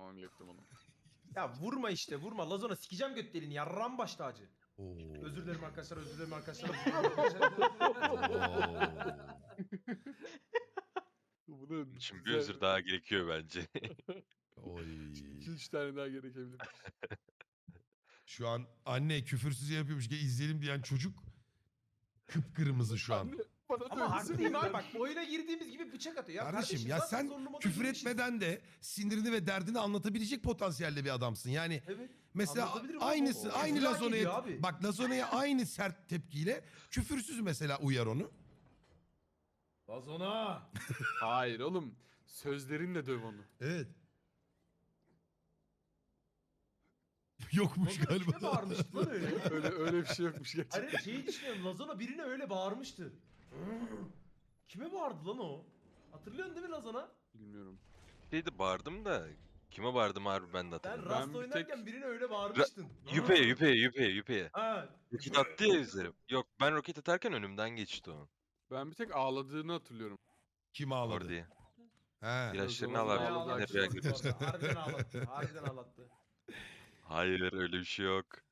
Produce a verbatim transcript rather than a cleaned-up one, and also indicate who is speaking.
Speaker 1: falan ilettim onu.
Speaker 2: Ya vurma işte vurma. Lazona sikeceğim göt deliğini. Yarram baş tacı.
Speaker 3: Oo.
Speaker 2: Özür dilerim arkadaşlar, özür dilerim arkadaşlar. Özür dilerim arkadaşlar.
Speaker 1: Bunu
Speaker 4: Şimdi bir özür daha gerekiyor bence.
Speaker 3: Oy.
Speaker 1: iki üç tane daha gerekebilir.
Speaker 3: Şu an anne küfürsüz yapıyormuş ki izleyelim diyen çocuk kıpkırmızı şu an.
Speaker 1: Anne, bana da
Speaker 2: Ama
Speaker 1: öyle
Speaker 2: haklıyım
Speaker 1: söylediler.
Speaker 2: abi bak oyuna girdiğimiz gibi bıçak atıyor. Ya
Speaker 3: Kardeşim ya
Speaker 2: zaten
Speaker 3: sen
Speaker 2: zorlu moda
Speaker 3: küfür
Speaker 2: girmişiz.
Speaker 3: etmeden de sinirini ve derdini anlatabilecek potansiyelde bir adamsın. Yani
Speaker 2: Evet.
Speaker 3: mesela
Speaker 2: Anlatabilirim ama
Speaker 3: aynısı
Speaker 2: o- o
Speaker 3: aynı
Speaker 2: güzel
Speaker 3: Lazona'ya
Speaker 2: geliyor abi.
Speaker 3: bak Lazona'ya aynı sert tepkiyle küfürsüz mesela uyar onu.
Speaker 2: Lazona.
Speaker 1: Hayır oğlum. Sözlerinle döv onu.
Speaker 3: Evet. Yokmuş
Speaker 2: Lazona kime
Speaker 3: galiba.
Speaker 2: bağırmıştı lan öyle?
Speaker 1: Öyle öyle bir şey yokmuş gerçekten.
Speaker 2: Hani şeyi düşünüyorum. Lazona birine öyle bağırmıştı. Kime bağırdı lan o? Hatırlıyorsun değil mi Lazona?
Speaker 1: Bilmiyorum.
Speaker 4: Şeydi bağırdım da kime bağırdım harbi ben de
Speaker 2: Sen
Speaker 4: hatırlamıyorum.
Speaker 2: Rust
Speaker 1: Ben bir
Speaker 2: oynarken
Speaker 1: tek-
Speaker 2: birine öyle bağırmıştın.
Speaker 4: Yüpeye yüpeye yüpeye yüpeye.
Speaker 2: Ha.
Speaker 4: Roket attı ya üzerim. Yok ben roket atarken önümden geçti o.
Speaker 1: Ben bir tek ağladığını hatırlıyorum.
Speaker 3: Kim ağladı?
Speaker 4: Orada.
Speaker 3: He.
Speaker 4: İlaçlarını
Speaker 1: Lazona
Speaker 4: al abi.
Speaker 1: ağladı.
Speaker 4: Nereye
Speaker 2: Ağlattı.
Speaker 4: gidiyorsun?
Speaker 2: Harbiden ağlattı. Harbiden ağlattı.
Speaker 4: Hayır öyle bir şey yok.